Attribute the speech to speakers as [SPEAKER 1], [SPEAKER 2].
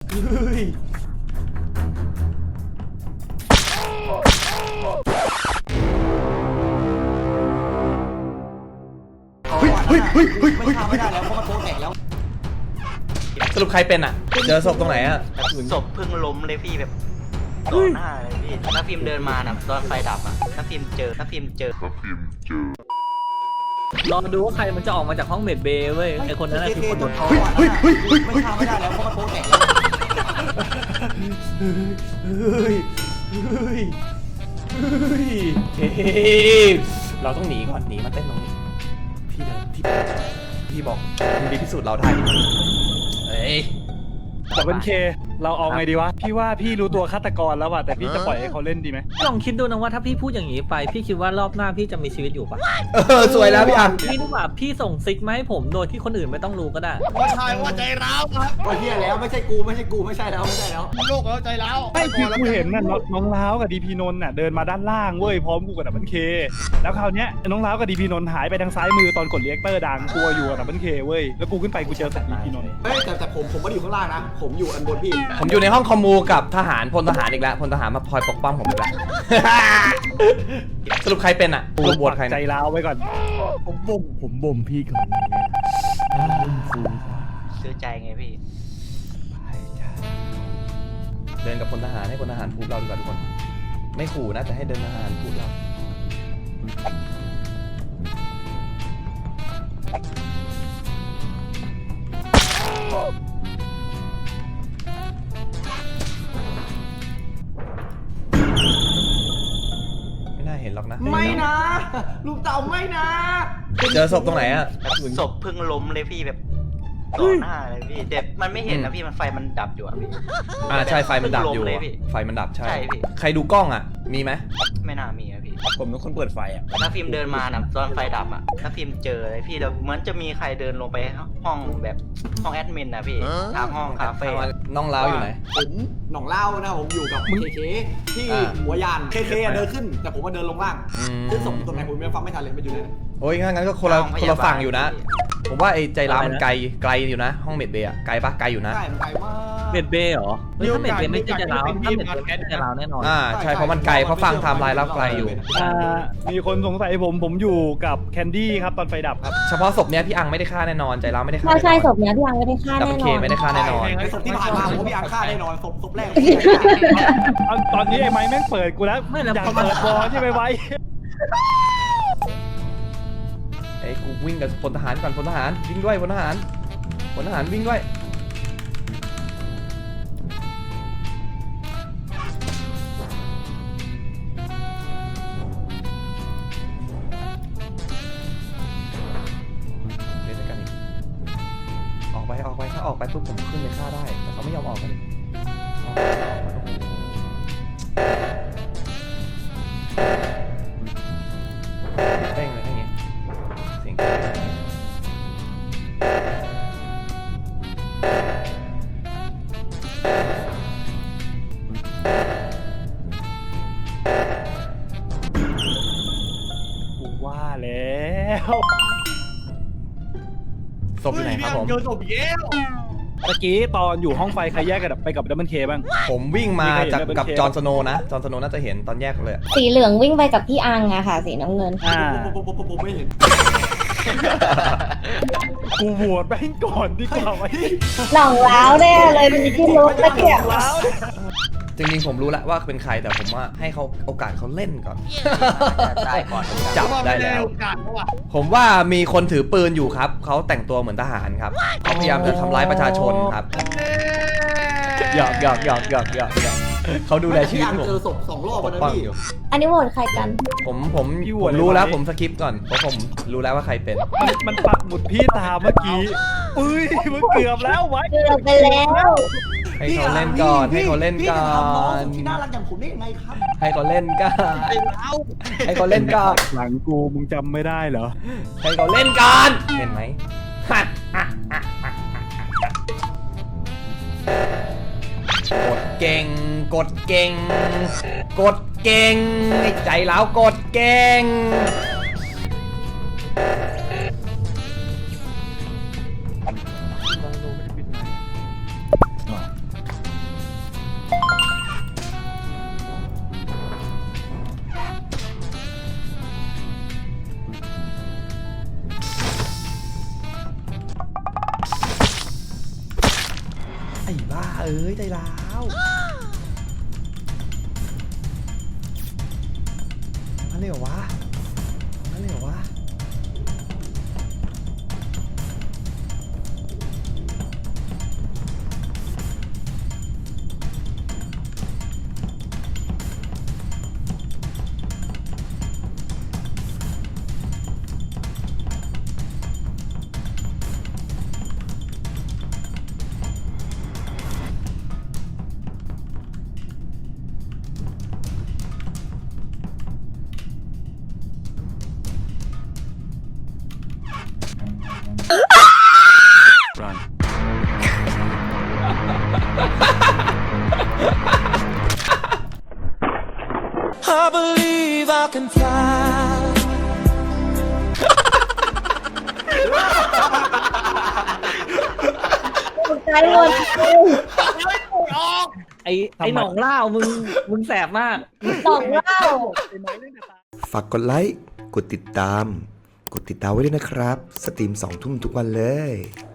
[SPEAKER 1] เฮ้ย
[SPEAKER 2] ไม่ฆ่าไม่ได้แล้วเพราะมันโตแตกแล้ว
[SPEAKER 1] สรุปใครเป็นอ่ะเจอศพตรงไหนอ่ะ
[SPEAKER 3] ศพเพิ่งล้มเลยพี่แบบต่อหน้าเลยพี่ถ้าฟิล์มเดินมานะตอนไฟดับอ่ะถ้าฟิล์มเจอ
[SPEAKER 4] รอดูว่าใครมันจะออกมาจากห้องเมดเบย์เว้ยไอคนนั้นคือคนโดนท่อ
[SPEAKER 2] ไม่ฆ่าไม่ได้แล้วเพราะมันโตแตกแล้ว
[SPEAKER 1] เฮ้ยเราต้องหนีก่อนหนีมาเต้นตรงนี้พี่บอกมึงดีที่สุดเราได้เฮ้ย
[SPEAKER 5] แต่เป็นเคเราเอาไงดีวะพี่ว่าพี่รู้ตัวฆาตกรแล้วว่ะแต่พี่จะปล่อยให้เขาเล่นดีไหม
[SPEAKER 4] ลองคิดดูนะว่าถ้าพี่พูดอย่างนี้ไปพี่คิดว่ารอบหน้าพี่จะมีชีวิตอยู่ปะ
[SPEAKER 1] สวยแล้วพี่อัน
[SPEAKER 4] พี่นึกว่าพี่ส่งซิกมาให้ผมโดยที่คนอื่นไม่ต้องรู้ก็ได้
[SPEAKER 6] ว่าชายว่าใจร้าวครับ
[SPEAKER 2] โอ้ยเฮียแล้วไม่ใช่กูไม่ใช่แล้ว
[SPEAKER 6] โลกแล้วใจร้าว
[SPEAKER 5] ไม่คือกูเห็นน่ะน้องล้าวกับดีพีนนท์น่ะเดินมาด้านล่างเว้ยพร้อมกูกับดับเบิลเคแล้วคราวเนี้ยน้องล้าวกับดีพีนนท์หายไปทางซ้ายมือตอนกดเรียกเตอร์ดังกูอยู่กับดับเบิลเคเว้ยแล้วกูขึ้นไปกูเจอศพดีพีนนท์
[SPEAKER 2] เฮ้ยแต่ผมไม่ได้อยู่ข้างล่างนะผมอยู่อันบนพี่
[SPEAKER 1] ผมอยู่ในห้องคอมมูกับทหารพลทหารอีกแล้วพลทหารมาคอยปกป้องผมอีกแล้ว สรุปใครเป็นอ่ะสรุปบวชใคร
[SPEAKER 5] ใจร้าวไว้ก่อน
[SPEAKER 7] ผมบ่มพี่ก่อน
[SPEAKER 3] ซื้อใจไงพี่
[SPEAKER 1] เดินกับพลทหารให้พลทหารพูดเราดีกว่าทุกคนไม่ขู่นะแต่ให้เดินทหารพูดเราไม่น่าเห็นหรอกนะ
[SPEAKER 2] ไม่นะลูกเต่าไม่นะ
[SPEAKER 1] เจอศพตรงไหนอ่ะ
[SPEAKER 3] ศพเพิ่งล้มเลยพี่แบบต่อหน้าเลยพี่เด็กมันไม่เห็นนะพี่มันไฟมันดับอยู่อ่ะพี่
[SPEAKER 1] ใช่ไฟมันดับอยู่
[SPEAKER 3] เพิ่งล้มเลยพี่
[SPEAKER 1] ไฟมันดับใช่
[SPEAKER 3] ใช่พี่
[SPEAKER 1] ใครดูกล้องอ่ะมีไหม
[SPEAKER 3] ไม่น่ามีอะพี่
[SPEAKER 7] ผมเป็นคนเปิดไฟอ่ะ
[SPEAKER 3] ถ้าฟิล์มเดินมานะตอนไฟดับอ่ะถ้าฟิล์มเจอเลยพี่แล้วเหมือนจะมีใครเดินลงไปห้องแบบห้องแอดมินนะพี่ทางห้องคาเฟ่
[SPEAKER 1] น้องล้าวอยู่ไหน
[SPEAKER 2] ผมหน่องเล่านะผมอยู่กับเคที่หัวยานเคเดินขึ้นแต่ผมมาเดินลงล่างซึ่งส่งตรงไหนผมไม่ฟังไม่ทันเลยมันอยู่เลย
[SPEAKER 1] โอ้ยงั้นก็คนละฝั่งอยู่นะ ผมว่าไอ้ใจร้าวมันไกลอยู่นะ ห้องเมดเบย์อะไกลปะไกลอยู่นะ
[SPEAKER 2] ใช่มันไกลมาก
[SPEAKER 4] เมดเบย์เหรอเฮ้ยถ้าเมดเบย์ไม่ใช่จะลาวถ้าเมดเบย์ไม่ใช่จะลาวแน่นอน
[SPEAKER 1] ใช่เพราะมันไกลเพราะฟังไทม์ไลน์แล้วไกลอยู่
[SPEAKER 5] มีคนสงสัยผมอยู่กับแคนดี้ครับตอนไฟดับครับ
[SPEAKER 1] เฉพาะศพเนี้ยพี่อังไม่ได้ฆ่าแน่นอนใจร้าวไม่ได้ฆ่า
[SPEAKER 8] ใช่ศพเนี้ยพี่ยังไม่ได้ฆ่า
[SPEAKER 1] ดับ
[SPEAKER 8] แน่
[SPEAKER 1] เบิล
[SPEAKER 8] น
[SPEAKER 1] เค
[SPEAKER 8] อน
[SPEAKER 1] ไม่ได้ฆ่าแน่นอน
[SPEAKER 2] ไอ้ศพที่ผ่านมาผมพี่อังฆ่าแน่นอนศพแรก
[SPEAKER 5] ตอนนี้ไอ้ไม้แม่งเปิดกูแล้ว
[SPEAKER 4] ไม่แล้ว
[SPEAKER 5] อยากเปิดบอลใช่ไหมไว้
[SPEAKER 1] ไอ้กูวิ่งกับพลทหารก่อนพลทหารวิ่งด้วยพลทหารวิ่งด้วยเดี๋ยวจะกันอีกออกไปถ้าออกไปปุ๊บผมขึ้นไปฆ่าได้แต่เขาไม่ยอมออกกันเต้งเลยทั้งนี้เสียง
[SPEAKER 5] กูว่าแล้ว
[SPEAKER 1] ศพอยู่ไหนครับผม
[SPEAKER 6] เจอศพเย้
[SPEAKER 5] เมื่อกี้ตอนอยู่ห้องไฟใครแยกกันไปกับดับเบิลเคบ้าง
[SPEAKER 1] ผมวิ่งมา
[SPEAKER 5] มีใครเห็น
[SPEAKER 1] จาก
[SPEAKER 5] Double
[SPEAKER 1] กับ
[SPEAKER 5] K
[SPEAKER 1] จอห์นสโนว์นะจอห์นสโนว์น่าจะเห็นตอนแยกเลยอะ
[SPEAKER 8] สีเหลืองวิ่งไปกับพี่อังอะค่ะ สีน้ำเงิน
[SPEAKER 2] ผมไม่เห็น
[SPEAKER 5] กูโหวตแม่งก่อนดีกว่าไว้
[SPEAKER 8] หน่องล้าวแน่เลยมีที่รู้ตะเกียบ
[SPEAKER 1] จริงๆผมรู้แล้วว่าเป็นใครแต่ผมว่าให้เขาโอกาสเขาเล่นก่อน
[SPEAKER 3] ได้ก่อน
[SPEAKER 1] จับได้แล้ว ผมว่ามีคนถือปืนอยู่ครับเขาแต่งตัวเหมือนทหารครับเขาพยายามจะทำร้ายประชาชนครับหยอกเขาดูแลชีวิตผม
[SPEAKER 2] เจอศพ2 รอบ
[SPEAKER 1] ป
[SPEAKER 2] วัน
[SPEAKER 1] ก
[SPEAKER 2] นั้น
[SPEAKER 1] ป้อง
[SPEAKER 2] พี่
[SPEAKER 1] อยู่
[SPEAKER 8] อันนี้โหวตใครกัน
[SPEAKER 1] ผมรู้แล้วผมสคิปก่อนเพราะผมรู้แล้วว่าใครเป็น
[SPEAKER 5] มันปักหมุดพี่ตามเมื่อกี้อุ้ยมันเกือบแล้วไว้
[SPEAKER 8] เกือบไปแล้ว
[SPEAKER 1] ให้เขาเล่นก่อนให้เขาเล่นก่อ
[SPEAKER 2] พี่จะทำน้อง
[SPEAKER 1] น
[SPEAKER 2] ที่น่ารักอย่างผมได้ยังไงครับ
[SPEAKER 1] ให้เขาเล่นก่อนให้เขาเล่นก่อน
[SPEAKER 5] หลังกูมึงจำไม่ได้เหรอ
[SPEAKER 1] ให้เขาเล่นก่อนเห็นไหมกดเก่งกดเก่งกดเก่งไอ้ใจแล้วกดเก่งบ้าเอ้ยใจร้าวนั่นเลยเหรอวะนั่นเลยเหรอวะ
[SPEAKER 8] ตกใจหมด
[SPEAKER 4] ไอ้หนองเล่ามึงแสบมาก
[SPEAKER 8] สองเล่า
[SPEAKER 9] ฝากกดไลค์ กดติดตามไว้ด้วยนะครับ สตรีม2 ทุ่มทุกวันเลย